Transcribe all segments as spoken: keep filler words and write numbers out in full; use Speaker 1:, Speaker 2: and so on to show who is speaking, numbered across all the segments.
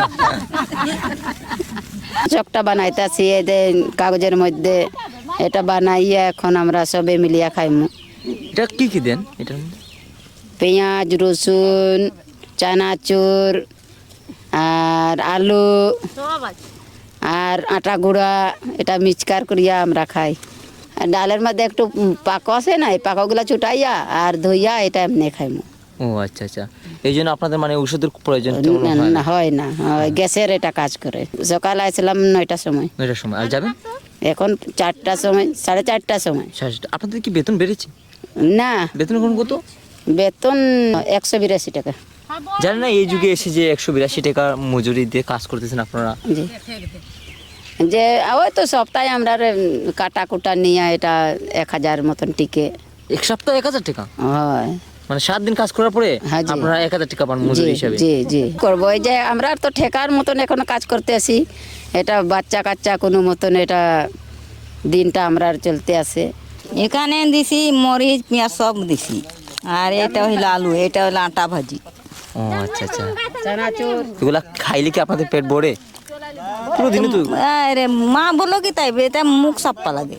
Speaker 1: চকটা বানাইতেছি এদের কাগজের মধ্যে, এটা বানাইয়া এখন আমরা সবে মিলিয়া খাইমু।
Speaker 2: এটা কি কি দেন এটার মধ্যে?
Speaker 1: পেঁয়াজ, রসুন, চানাচুর আর আলু আর আটা গুঁড়া, এটা মিক্সকার করিয়া আমরা খাই। আর ডালের মধ্যে একটু পাকো আছে না, এই পাকোগুলা ছুটাইয়া আর ধুইয়া এটা এমনি খাইমু।
Speaker 2: ও আচ্ছা আচ্ছা, এই জন্য আপনাদের মানে ওষুধের প্রয়োজন তেমন হয় না?
Speaker 1: না, হয় না, হয় গ্যাসের এটা কাজ করে। সকালে আসলাম নয়টার সময়,
Speaker 2: নয়টার সময়, আর যাবেন
Speaker 1: এখন চারটার সময়, সাড়ে চারটার সময়।
Speaker 2: সাড়ে সাতটা। আপনাদের কি বেতন বেড়েছে?
Speaker 1: না,
Speaker 2: বেতন এখন কত?
Speaker 1: বেতন একশো বিরাশি টাকা।
Speaker 2: জানেন না এই যুগে এসে যে একশো বিরাশি টাকা মজুরি দিয়ে কাজ করতেছেন আপনারা?
Speaker 1: জি, যে ওই তো সপ্তাহে আমরা কাটা কুটা নিয়ে এটা এক হাজার মতন টিকে।
Speaker 2: এক সপ্তাহ এক হাজার টাকা?
Speaker 1: হয়,
Speaker 2: মানে সাত দিন কাজ করার পরে
Speaker 1: হ্যাঁ জি।
Speaker 2: আপনারা এক হাজার টাকা পান মজুরি হিসাবে?
Speaker 1: জি জি করবো। এই যে আমরা তো ঠেকার মতন এখন কাজ করতে আসি, এটা বাচ্চা কাচ্চা কোনো মতন এটা দিনটা আমরা চলতে আসে।
Speaker 3: এখানে দিছি মরিচ পেঁয়াজ সব দিছি, আর এটা হইলো আলু, এটা হইলো আটা ভাজি।
Speaker 2: ও আচ্ছা আচ্ছা,
Speaker 1: চানাচুর
Speaker 2: এগুলা খাইলে কি আপনাদের পেট ভরে? পুরো দিনে তো
Speaker 3: আরে মা বলো কি তাই, এটা মুখ সাপ্পা লাগে।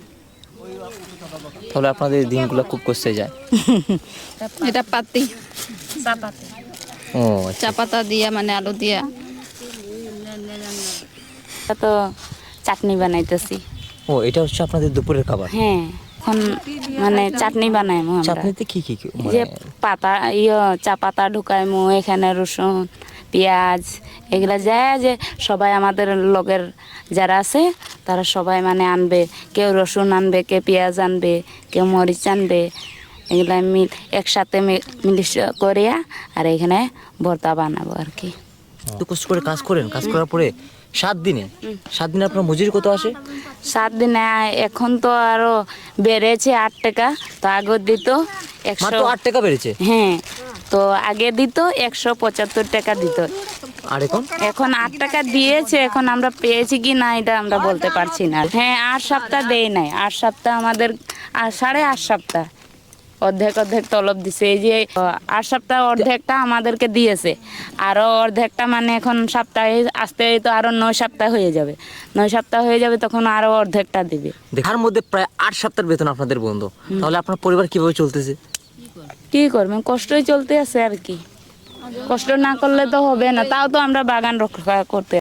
Speaker 2: তাহলে আপনাদের দিনগুলো খুব কষ্টে যায়।
Speaker 4: এটা পাতি
Speaker 2: ও আচ্ছা।
Speaker 4: চা পাতা দিয়া, মানে আলু দিয়া।
Speaker 5: তো চাটনি বানাইতেছি।
Speaker 2: ও এটা হচ্ছে আপনাদের দুপুরের খাবার?
Speaker 5: হ্যাঁ, এখন মানে চাটনি বানাইমু আমরা।
Speaker 2: চাটনিতে কি কি কি
Speaker 5: যে
Speaker 2: মানে?
Speaker 5: পাতা ইয়ে চা পাতা ঢুকাইমু, এখানে রসুন পেঁয়াজ এগুলা যায়, যে সবাই আমাদের লগের যারা আছে তারা সবাই মানে আনবে, কেউ রসুন আনবে, কেউ পেঁয়াজ আনবে, কেউ মরিচ আনবে, এগুলা মিল একসাথে মিলিশ করিয়া আর এখানে ভর্তা বানাবো আর কি।
Speaker 2: এত কষ্ট করে কাজ করেন, কাজ করার পরে সাত দিনে সাত দিনে আপনার মজুরি কত আসে?
Speaker 5: সাত দিনে এখন তো আরো বেড়েছে আট টাকা, তো আগে দিত একশো।
Speaker 2: মাত্র আট টাকা বেড়েছে?
Speaker 5: হ্যাঁ, তো আগে দিত একশো পঁচাত্তর টাকা দিত,
Speaker 2: আর এখন?
Speaker 5: এখন আট টাকা দিয়েছে। এখন আমরা পেয়েছি কি না এটা আমরা বলতে পারছি না। হ্যাঁ, আট সপ্তাহ দেয় নাই, আট সপ্তাহ আমাদের আর সাড়ে আট সপ্তাহ অর্ধেক অর্ধেক তলব দিছে। এই যে আট সপ্তাহ অর্ধেকটা আমাদেরকে দিয়েছে, আরো অর্ধেকটা মানে এখন সপ্তাহে আসতে তো আরো নয় সপ্তাহ হয়ে যাবে, নয় সপ্তাহ হয়ে যাবে তখন আরো অর্ধেকটা দিবে।
Speaker 2: দেখার মধ্যে প্রায় আট সপ্তাহের বেতন আপনাদের বন্ধ, তাহলে আপনার পরিবার কিভাবে চলতেছে?
Speaker 5: কি করবেন, কষ্টই চলতে আছে আর কি, কষ্ট না করলে তো হবে না। তাও তো আমরা বাগান রক্ষা করতে